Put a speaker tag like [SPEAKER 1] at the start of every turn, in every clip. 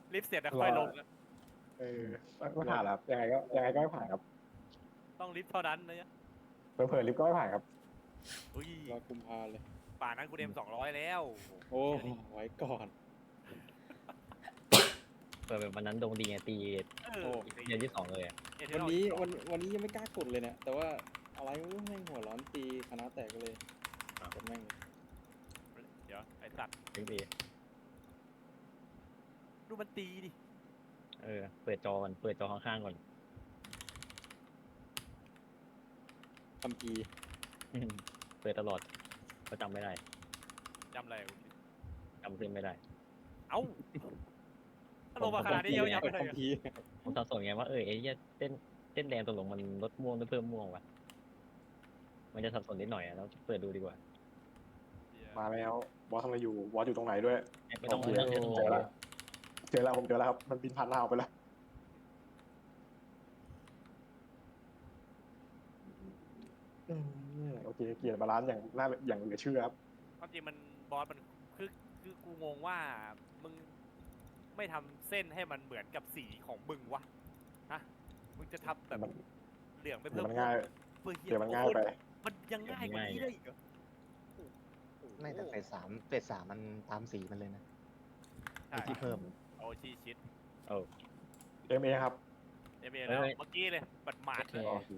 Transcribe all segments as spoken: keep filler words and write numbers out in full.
[SPEAKER 1] ลิฟต์เสร็จแล้วค่อยลง
[SPEAKER 2] เออไม่ผ่านครับยังไงก็ยังไงก็ไม่ผ่านครับ
[SPEAKER 1] ต้องลิฟต์เท่านั้นนะเนี่ย
[SPEAKER 2] เผลอๆลิฟต์ก็ไม่ผ่านครับ
[SPEAKER 1] อุ้ย
[SPEAKER 3] รอกุมภาเลย
[SPEAKER 1] ป่านนั้นกูเดมสองร้อยแล้ว
[SPEAKER 3] โอ้ไว้ก่อน
[SPEAKER 4] เปิดแบบวันนั้นดวงดีไงตี
[SPEAKER 1] เอ
[SPEAKER 3] โอ้
[SPEAKER 1] อ
[SPEAKER 4] เดือนที่สองเลยอะ
[SPEAKER 1] เอเท
[SPEAKER 3] วัน
[SPEAKER 1] อร์
[SPEAKER 3] นี้
[SPEAKER 1] สอง
[SPEAKER 3] วันวันนี้ยังไม่กล้ากดเลยเนี่ยแต่ว่าอะไรไม่รู้แม่งหัวร้อนตีคณะแตกเลยกดแม่งเลย
[SPEAKER 1] เดี๋ยวไอ้สัตว์
[SPEAKER 4] ถึงดี
[SPEAKER 1] ดูมันตีดิ
[SPEAKER 4] เออเปิดจอก่อนเปิดจอข้างๆก่อน
[SPEAKER 3] ทำกี
[SPEAKER 4] เปิดตลอดก็จำไม่ได้
[SPEAKER 1] จำอะไรกู
[SPEAKER 4] จำเส้นไม่ได้
[SPEAKER 1] เอ้าถ้าลงมาขนาดนี้ยังยังไม่ได้
[SPEAKER 3] ทำกี
[SPEAKER 4] ผมสับสนไงว่าเออไอ้เหี้ยเส้นเส้นแดงตกลงมันลดม่วงหรือเพิ่มม่วงวะมันจะสับสนนิดหน่อยอะแล้วเปิดดูดีกว่า
[SPEAKER 2] มาแล้วบอสทำอะไรอยู่บอสอยู่ตรงไหนด้วย
[SPEAKER 4] ไม่ต้อง
[SPEAKER 2] โอเค
[SPEAKER 4] ไม่ต้องใช้สม
[SPEAKER 2] เจ
[SPEAKER 4] อง
[SPEAKER 2] อแล้วเจอแล้วผมเจอแล้วครับมันบินผ่านหน้าออกไปแล้วอืมโอเคเกียร์บาลานซ์อย่างน่าอย่างเหลือเชื่อครับ
[SPEAKER 1] ความจริงมันบอสมันคือคือกูงงว่ามึงไม่ทำเส้นให้มันเหมือนกับสีของมึงวะฮะมึงจะทำแบบ
[SPEAKER 2] มัน
[SPEAKER 1] เหลืองไป
[SPEAKER 2] เดี๋
[SPEAKER 1] เพิ่
[SPEAKER 2] ยว
[SPEAKER 1] ม
[SPEAKER 2] มันง่าย
[SPEAKER 1] เพื่อเฮีย
[SPEAKER 2] เดี๋ยวมันง่ายไป
[SPEAKER 1] มันยังง่ายกว่านี้ได้อีกเหรอ
[SPEAKER 5] ไม่แต่เฟสสามเฟสสามมันตามสีมันเลยนะ
[SPEAKER 1] ใช่
[SPEAKER 5] ที่เพิ่ม
[SPEAKER 1] โอชีชิด
[SPEAKER 2] เอ็มเอครับ
[SPEAKER 1] เอเมแล้วเมื่อกี้เลยบัดหมาด
[SPEAKER 5] โอเค
[SPEAKER 1] เลย
[SPEAKER 2] โอเค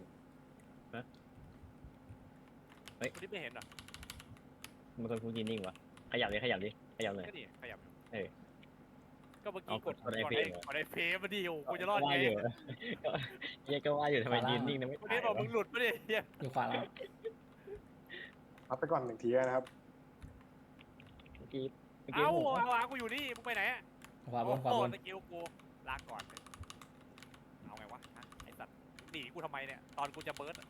[SPEAKER 1] คุณที่ไม่เห็นเหรอ
[SPEAKER 4] มันคนพูดนิ่งวะขยับเลยขยับดิขยับเลย
[SPEAKER 1] ก็นี่ขยับอยู่
[SPEAKER 4] เออ
[SPEAKER 1] ก็เมื่อกี้
[SPEAKER 4] เอา
[SPEAKER 1] ก
[SPEAKER 4] ก
[SPEAKER 1] ด
[SPEAKER 4] ด
[SPEAKER 1] ก
[SPEAKER 4] ก
[SPEAKER 1] ด
[SPEAKER 4] ดไอ้
[SPEAKER 1] ไอ้
[SPEAKER 4] เฟรม
[SPEAKER 1] กดไอ้เฟรมมาดิโอ้กูจะรอด
[SPEAKER 4] ว่า
[SPEAKER 1] ไง
[SPEAKER 4] อยู่เฮียก็ว่าอยู่ทำไมยืนนิ่งนะไม่
[SPEAKER 1] วัน
[SPEAKER 4] ถ่า
[SPEAKER 1] นี้
[SPEAKER 4] ย
[SPEAKER 1] บอก
[SPEAKER 4] วะ
[SPEAKER 1] มึงหลุดมาดิเฮีย
[SPEAKER 6] อยู่ขวาแล้ว
[SPEAKER 2] รับไปก่อนหนึ่งทีนะครับ
[SPEAKER 4] เมื่อกี้เมื่อกี้
[SPEAKER 1] เอ้า
[SPEAKER 4] ผม
[SPEAKER 1] เอาอากูอยู่นี่มึงไปไหนอะ
[SPEAKER 6] ขวาบนขวา
[SPEAKER 1] โอ้
[SPEAKER 6] บ
[SPEAKER 1] โห
[SPEAKER 6] น
[SPEAKER 1] สกิลกูลาก่อนเลยเอาไงวะฮะไอ้สัตว์หนีกูทำไมเนี่ยตอนกูจะเบิร์ดอะ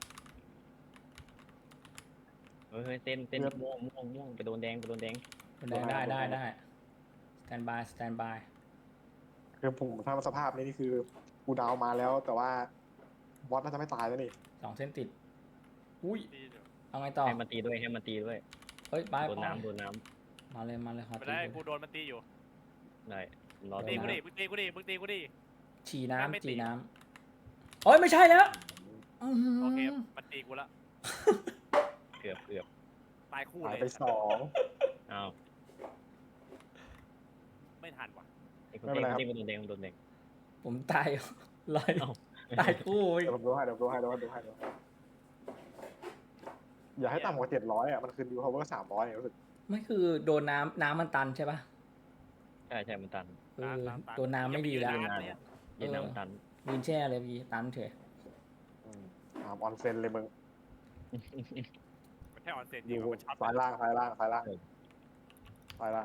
[SPEAKER 4] เฮ้ยเส้นเส้นม่วงม่วงม่วงไปโดนแดงไปโดนแดง
[SPEAKER 6] บนแดงได้ได้ได้สแตนบายสแตนบาย
[SPEAKER 2] คือผมถ้าสภาพนี้นี่คือกูดาวมาแล้ว แต่ว่าบอสน่าจะไม่ตายแล้วนี่
[SPEAKER 6] สองเส้นติด อุ้ย
[SPEAKER 1] ดีอยู่
[SPEAKER 6] เอาไงต่อ
[SPEAKER 4] ให้มันตีด้วยให้มันตีด้วย
[SPEAKER 6] เฮ้ยไป
[SPEAKER 4] โดน
[SPEAKER 6] ไป
[SPEAKER 4] น้ำโดนน้
[SPEAKER 6] มาเลยมาเลยขอ
[SPEAKER 1] ไม่
[SPEAKER 6] ตี
[SPEAKER 1] ได้
[SPEAKER 6] เลย
[SPEAKER 1] กูโดนมันตีอยู่
[SPEAKER 4] ำได้รอ
[SPEAKER 1] ตี
[SPEAKER 4] ตี
[SPEAKER 1] กูดิมึงตีกูดิมึงตีกูดิ
[SPEAKER 6] ฉี่
[SPEAKER 1] ไม่
[SPEAKER 6] น้ำ
[SPEAKER 1] ตี
[SPEAKER 6] ฉี่น้ำโอ้ยไม่ใช่แล้วอื้อหือ
[SPEAKER 1] โอเคมันตีกูละ
[SPEAKER 4] เกือบเกือบ
[SPEAKER 1] ตายคู่
[SPEAKER 2] หาย
[SPEAKER 1] เลย
[SPEAKER 2] ไปสอง
[SPEAKER 4] อ้าว
[SPEAKER 1] ไม่ทันว่ะ
[SPEAKER 4] ไอ้คนเต้นเต้นโดนแดงโดนแดง
[SPEAKER 6] ผมตายลอย
[SPEAKER 4] เอ้า
[SPEAKER 6] ตายคู่อีก
[SPEAKER 2] เดี๋ยวผมดูให้เดี๋ยวผมดูให้เดี๋ยวผมดูให้เดี๋ยวผมดูให้อย่าให้ต่ำกว่าเจ็ดร้อยอ่ะมันคือดิวพาวเวอร์สามร้อยรู้สึก
[SPEAKER 6] ไม่คือโดนน้ำน้ำมันตันใช่ปะ
[SPEAKER 4] ใช่ใช่มันตัน
[SPEAKER 6] เออโดนน้ำไม่ดีแล้ว
[SPEAKER 1] ยังไม่ยืนนานเลยอะ
[SPEAKER 4] เย็นน้ำมันตัน
[SPEAKER 6] ยืนแช่เลยพี่ตันเฉย
[SPEAKER 2] อืมถามออนเซนเลยมึง
[SPEAKER 1] มันแค่ออนเซ็น
[SPEAKER 2] อ
[SPEAKER 1] จริง
[SPEAKER 2] ยู่
[SPEAKER 1] มันช็อต
[SPEAKER 2] ซ้ายล่างซ้ายล่างซ้ายล่างซ้ายล่าง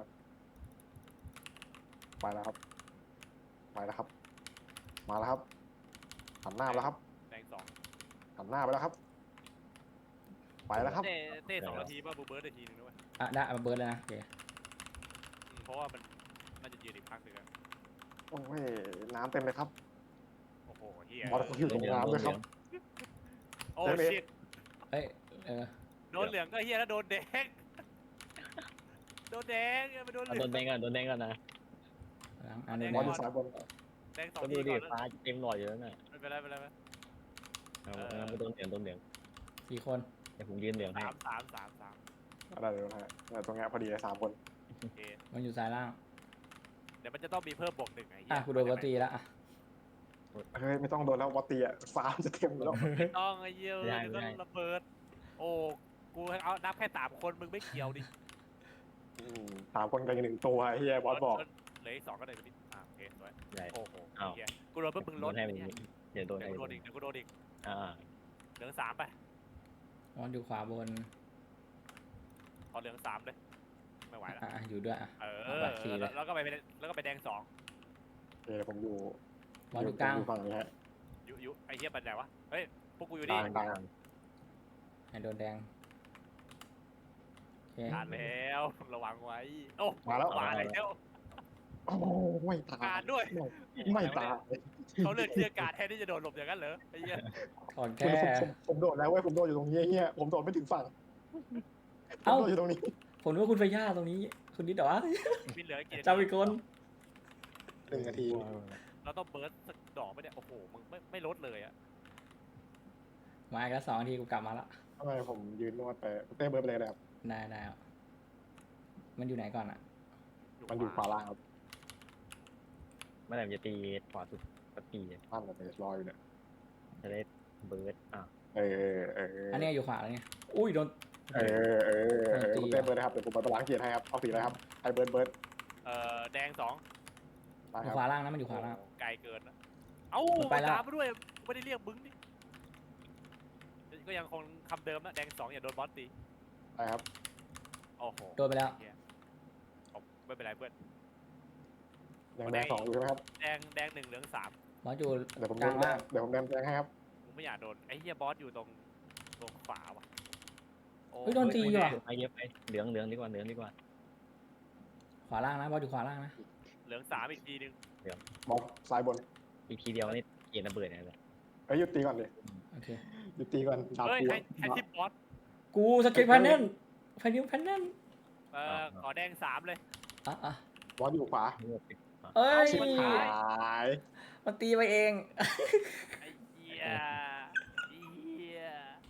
[SPEAKER 2] ไปแล้วครับไปแล้วครับ มาแล้วครับหันหน้ามาแล้วครับ
[SPEAKER 1] แดงสอง
[SPEAKER 2] หันหน้าไปแล้วครับ ไปแล้วครับ
[SPEAKER 1] เต้เต้สองนาทีป่ะบูเบิร์ดนาทีนึงด้วย
[SPEAKER 6] อ่ะได้เอาเบิร์ดเลยนะโอเค
[SPEAKER 1] อืมเพราะว่ามันน่าจะยืนอีกพักหนึ่งอะ
[SPEAKER 2] โอ้ยน้ำเต็มเลยครับ
[SPEAKER 1] โอ้โหเฮีย
[SPEAKER 2] บอสเขาอยู่ตรงน้ำด้วยครับ
[SPEAKER 1] โอ้
[SPEAKER 2] เดี๋ยว
[SPEAKER 1] ชิต
[SPEAKER 6] เอ้ยเออ
[SPEAKER 1] โดนเหลืองก็เฮียแล้วโดนแดงโดนแดงไปโดนเห
[SPEAKER 4] เอา
[SPEAKER 1] ลื
[SPEAKER 4] โด
[SPEAKER 1] อง
[SPEAKER 4] นแดงก่อนโดนแดงก่อนนะ
[SPEAKER 6] หลังอันนี้
[SPEAKER 2] บอสอยู่ซ้ายบน
[SPEAKER 1] แดงสอง
[SPEAKER 4] ก็
[SPEAKER 1] ที
[SPEAKER 4] ดูดิ
[SPEAKER 1] ก่อนแล้ว
[SPEAKER 4] ฟ้าเต็มหลอดอยู่แล้วน่ะ
[SPEAKER 1] ไม่เป็นไรไม่เป็นไรไม่เป็นไร
[SPEAKER 4] เอา
[SPEAKER 1] เออ
[SPEAKER 4] เอาไปโดนเหลืองโดนเหลือง
[SPEAKER 6] สี่คน
[SPEAKER 4] เดี๋ยวผมยืนเหลืองให้
[SPEAKER 1] สามสามสามสาม
[SPEAKER 2] อะไรเดี๋ยวนะฮะเนี่ยตรงเนี้ยพอดีเลยสามคน
[SPEAKER 1] โอเค
[SPEAKER 6] มันอยู่ซ้ายล่าง
[SPEAKER 1] เดี๋ยวมันจะต้องมีเพิ่มบวกหนึ่งไอ้เหี้
[SPEAKER 6] อ่ะ
[SPEAKER 1] ย
[SPEAKER 6] กูโดนปกติแล้วอ่ะ
[SPEAKER 2] เฮ้ยไม่ต้องโดนแล้ววอตตีอ่ะฟ้ามันจะเต็มอยู่แล้ว
[SPEAKER 1] ไม่ต้องไอ้เหี้ยเดี๋ยวก็ระเบิด โอ้กูเอานับแค่สามคนมึงไม่เกี่ยวดิ
[SPEAKER 2] อืมสามคนกันหนึ่งตัวไอ้เฮียบอสบอก
[SPEAKER 1] เหลืออีกสองก็เลยไปดิอ่ะโอเคสวย
[SPEAKER 4] ได้
[SPEAKER 1] โอ้โห
[SPEAKER 4] อ้าว
[SPEAKER 1] เหี้ยกูโดนเพิ่มมึง
[SPEAKER 4] โด
[SPEAKER 1] ลด
[SPEAKER 4] นให้
[SPEAKER 1] ไอ้
[SPEAKER 4] มัน
[SPEAKER 1] เหี้ย
[SPEAKER 4] เดี๋ยวโดน
[SPEAKER 1] เดี๋
[SPEAKER 4] ให้
[SPEAKER 1] ยวกูโดนอีกเดี๋ยวกูโดนอีก
[SPEAKER 4] อ่า
[SPEAKER 1] เหลืองสามไป
[SPEAKER 6] มันอยู่ขวาบน
[SPEAKER 1] ขอเหลืองสามเลยไม่ไหวแล้ว
[SPEAKER 6] อ่ะอยู่ด้วยอ่ะ
[SPEAKER 1] เอ
[SPEAKER 6] เอา
[SPEAKER 1] อ
[SPEAKER 6] บัตรสี่เลย
[SPEAKER 1] แล้วก็ไปแล้วก็ไปแดงสอง
[SPEAKER 2] เดี๋ยวผมอยู่
[SPEAKER 6] บอลอยู่กลาง
[SPEAKER 2] ผมฝั่งนี้ฮะ
[SPEAKER 1] ยุยุไอ้เหี้ยปัญญาวะเฮ้ยพวกกูอยู่
[SPEAKER 2] ก
[SPEAKER 1] นี่
[SPEAKER 2] ลางกลาง
[SPEAKER 6] ให้โดนแดงโอเค
[SPEAKER 1] ผ่านแล้วระวังไว้โอ้
[SPEAKER 2] มาแล้ว
[SPEAKER 1] มาแล้ว
[SPEAKER 2] โอ้ไม่ตาย
[SPEAKER 1] การด้วย
[SPEAKER 2] ไม่ตาย
[SPEAKER 1] เขาเลือกที่อากาศแทนที่จะโดนหลบอย่างนั้นเหรอไอ้เหี้ย
[SPEAKER 6] ถอน
[SPEAKER 2] ผม
[SPEAKER 6] แค่
[SPEAKER 2] ผมผมโดดแล้วเว้ยผมโดดอยู่ตรงนี้ไอ้เฮียผมโดดไม่ถึงฝั่งผม
[SPEAKER 6] เอ้า
[SPEAKER 2] โดดอยู่ตรงนี้
[SPEAKER 6] ผมนึกว่าคุณไฟย่าตรงนี้ คุณนิดเหรอวะ
[SPEAKER 1] มีเหลือกี่นาที
[SPEAKER 6] จำอีกคน
[SPEAKER 2] หนึ่งนาที
[SPEAKER 1] เราต้องเบิร์ดสักดอกไปเนี่ยโอ้โหมึงไม่ไม่ลดเลยอะ
[SPEAKER 6] มาอีกแล้วสองนาทีกูกลับมาละ
[SPEAKER 2] ทำไมผมยืนนวดไปเต้เบิร์ดไปเลยนะครับ
[SPEAKER 6] ได้ได้เอามันอยู่ไหนก่อนอ่ะ
[SPEAKER 2] มันอยู่ขวาล่างครับ
[SPEAKER 4] เมื่อไหร่มันจะตีขวาสุดก็ตี
[SPEAKER 2] ตั้งแต่รออยู่เนี่ย
[SPEAKER 4] จะได้เบิร์ดอ่ะ
[SPEAKER 2] เออเออ
[SPEAKER 6] อันนี้อยู่ขวาแล้วเนี่ยอุ้ยโดน
[SPEAKER 2] เออเออเออคุณเต้เบิร์ดนะครับเดี๋ยวผมไปล้างเกียร์ให้ครับเอาสีอะไรครับไอเบิร์ดเบิร์ด
[SPEAKER 1] เอ่อแดงสอง
[SPEAKER 2] ได้
[SPEAKER 6] อ
[SPEAKER 2] ค
[SPEAKER 6] ยู่
[SPEAKER 2] รับ
[SPEAKER 6] ขวาล่างนะมันอยู่ขวาล่าง
[SPEAKER 1] โอ้ไกลเกินนะเอ้า
[SPEAKER 6] มันไปแล้ว
[SPEAKER 1] ตามมาด้วยไม่ได้เรียกบึ้งดิก็ยังคงคำเดิมนะแดงสองอย่าโดนบอสตี
[SPEAKER 2] ได้ครับ
[SPEAKER 1] โอ้โห
[SPEAKER 6] โดนไปแล้ว
[SPEAKER 1] เอาไม่เป็นไรเพื่อน
[SPEAKER 2] ยังแดงสองอยู่ใช่ไหมครับ
[SPEAKER 1] แดงแดงหนึ่งเหลืองสาม
[SPEAKER 6] บอสอยู่
[SPEAKER 2] เดี๋ยวผม
[SPEAKER 6] ก
[SPEAKER 2] เดิ
[SPEAKER 6] ลาน ง
[SPEAKER 2] แด
[SPEAKER 6] ล่าง
[SPEAKER 2] งเดี๋ยวผมเดินแดงให้ครับ
[SPEAKER 1] มึงไม่อยากโดนไอ้เฮียบอสอยู่ตรงตรงขวาว่ะโอ้
[SPEAKER 6] เฮ้ยโดนตีว่ะ
[SPEAKER 4] ไปเยอะไปเหลืองเหลืองดีกว่าเหลืองดีกว่า
[SPEAKER 6] ขวาล่างนะบอสอยู่ขวาล่างนะ
[SPEAKER 1] เหลืองสามอีกทีนึง
[SPEAKER 2] มองซ้ายบน
[SPEAKER 4] อีกทีเดียวนี่เกียร์ระเบิดเนี่ยเลย
[SPEAKER 2] เอ้ยหยุดตีก่อนดิ
[SPEAKER 6] โอเค
[SPEAKER 2] หยุดตีก่อนดาบ
[SPEAKER 1] เฮ้ย
[SPEAKER 2] กู
[SPEAKER 1] ให้ให้ทิปบอส
[SPEAKER 6] กูสเก็ตแพนเนนแพนนิวแพนเนน
[SPEAKER 1] เอ่อขอแดงสามเลย
[SPEAKER 6] อ่ะอ่ะ
[SPEAKER 2] บอสอยู่ขวา
[SPEAKER 4] เลือกไป
[SPEAKER 6] เอ้ย
[SPEAKER 1] ชิบหาย
[SPEAKER 2] หาย
[SPEAKER 6] มันตีไปเอง
[SPEAKER 1] ไอ้เหี้ยไอ้เหี้ย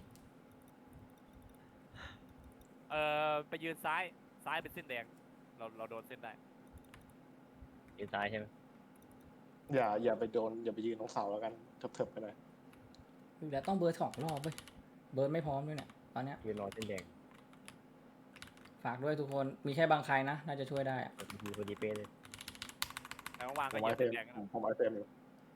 [SPEAKER 1] เอ่อไปยืนซ้ายซ้ายเป็นเส้นแดงเราเราโดนเส้นได้
[SPEAKER 4] เกียร์ซ้ายใช่ไหม
[SPEAKER 2] อย่าอย่าไปโดนอย่าไปยืนตรงเสาแล้วกันเถิบๆไปหน่อย
[SPEAKER 6] เดี๋ยวต้องเบิร์ดสองรอบเว้ยเบิร์ดไม่พร้อมด้วยเนี่ยตอนเนี้ย
[SPEAKER 4] ยืนรอเส้นแดง
[SPEAKER 6] ฝากด้วยทุกคนมีแค่บางใครนะน่าจะช่วยได้อะ
[SPEAKER 4] พอดีพอดีเป๊ะเลย
[SPEAKER 1] แล้ววาง
[SPEAKER 2] ผ
[SPEAKER 1] ก็
[SPEAKER 2] ม
[SPEAKER 1] เหยี
[SPEAKER 2] ไว้
[SPEAKER 1] ยบ
[SPEAKER 2] เฟร
[SPEAKER 1] เส้
[SPEAKER 2] ม
[SPEAKER 1] นแดงนะ
[SPEAKER 2] ผมไว้เฟรมอยู่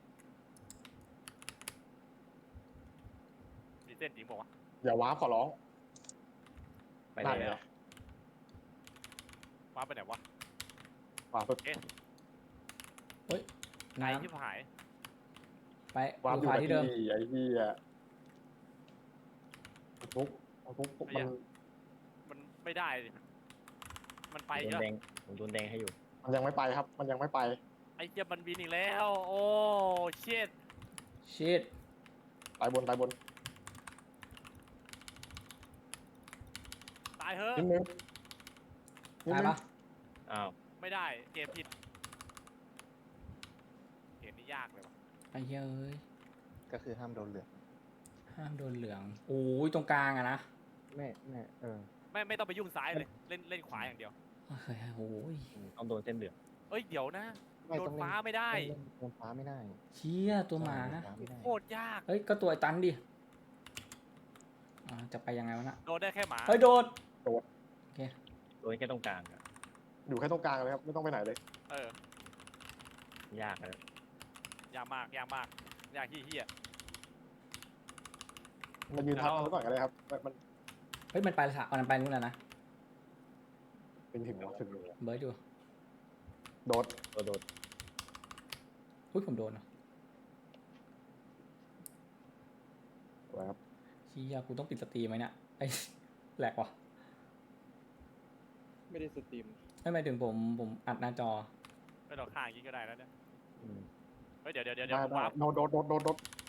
[SPEAKER 1] มีเส้นจริงบอกว่าว
[SPEAKER 2] อย่าว้าร์ปขอร้อง
[SPEAKER 4] ไป
[SPEAKER 2] ได้
[SPEAKER 4] เลย
[SPEAKER 2] เลย
[SPEAKER 1] วางไปไหนวะ
[SPEAKER 2] ว้าร์ป
[SPEAKER 1] เอ๊ะ
[SPEAKER 6] น้
[SPEAKER 1] ไอ้ที่หาย
[SPEAKER 6] ำไป
[SPEAKER 2] ว้าร์ป
[SPEAKER 6] อ
[SPEAKER 2] อยู่ ยู่
[SPEAKER 6] ขวา
[SPEAKER 2] กับ
[SPEAKER 6] ที่เดิม
[SPEAKER 2] ที่ไอ้ที่อะทุกทุกทุกมัน
[SPEAKER 1] มันไม่ได้ดิมันไป
[SPEAKER 4] โด
[SPEAKER 1] เย
[SPEAKER 4] น
[SPEAKER 1] อะ
[SPEAKER 4] แดงผมโดนแดงให้อยู่
[SPEAKER 2] มันยังไม่ไปครับ มันยังไม่ไป
[SPEAKER 1] ไอ้เหี้ยมันบินอีกแล้ว โอ้เชิด
[SPEAKER 6] ชิด
[SPEAKER 2] ตายบนตายบน
[SPEAKER 1] ตายเฮ้ย
[SPEAKER 2] นิดนึงนิด
[SPEAKER 6] ตาย
[SPEAKER 2] นึง
[SPEAKER 6] ปะ
[SPEAKER 4] อ้าว
[SPEAKER 1] ไม่ได้เกมผิดเกมนี้ยากเลยว่ะ
[SPEAKER 6] ไอ้เหี้ยเอ้ย
[SPEAKER 5] ก็คือห้ามโดนเหลือง
[SPEAKER 6] ห้ามโดนเหลืองโอ้ยตรงกลางอะนะ
[SPEAKER 5] ไม่ไม่เออ
[SPEAKER 1] ไม่ไม่ต้องไปยุ่งซ้ายเลยเล่นเล่นขวาอย่างเดียว
[SPEAKER 6] เฮ้ยโอ้ย
[SPEAKER 4] ต้องโดนเส้นเหลือง
[SPEAKER 1] เอ้ยเดี๋ยวนะ
[SPEAKER 5] ไม่
[SPEAKER 1] โด
[SPEAKER 5] ต้อน งเล่น
[SPEAKER 1] ฟ้าไม่ได้
[SPEAKER 5] เล่นโดนฟ้าไม่ได้
[SPEAKER 6] เชี่ยตัวหมา
[SPEAKER 5] โดนฟ้าไม่ได้
[SPEAKER 1] โคตรยาก
[SPEAKER 6] เฮ้ยก็ตัวไอ้ตันดิอ่าจะไปยังไงวะน่ะ
[SPEAKER 1] โดนได้แค่หมา
[SPEAKER 6] เฮ้ยโดด
[SPEAKER 4] โดนแค่ตรงกลางอะ
[SPEAKER 2] อยู่แค่ตรงกลางเลยครับไม่ต้องไปไหนเลย
[SPEAKER 1] เออย
[SPEAKER 4] ากเลย
[SPEAKER 1] ยากมากยากมากยากที่เฮีย
[SPEAKER 2] มันยืนทับมันไว้ก่อนก็ได้ครับมันมัน
[SPEAKER 6] เฮ้ยมันไปละสะมันไปนู่นแล้วนะ
[SPEAKER 2] เป็นถึงถึง
[SPEAKER 6] เบิร์ดอยู่
[SPEAKER 2] โดด
[SPEAKER 4] โดนโดน
[SPEAKER 6] อุ้ยผมโดนเหรอ
[SPEAKER 2] ครับ
[SPEAKER 6] เชี่ยกูต้องปิดสตรีมไหมเนี่ยไอ้ แหลกว่ะ
[SPEAKER 3] ไม่ได้สตรีม
[SPEAKER 6] ไม่หมายถึงผมผมอัดหน้าจอ
[SPEAKER 1] ไม่ต้องข้างอย่างนี้ก็ได้แล้วเนี่ย
[SPEAKER 4] อืม
[SPEAKER 1] เฮ้ยเดี๋ยวเดี๋ยวเดี๋ยวเดี๋
[SPEAKER 2] ได้
[SPEAKER 1] ยว
[SPEAKER 2] ได้
[SPEAKER 1] วาร์ป
[SPEAKER 2] โดดโดดโดดโดดโดด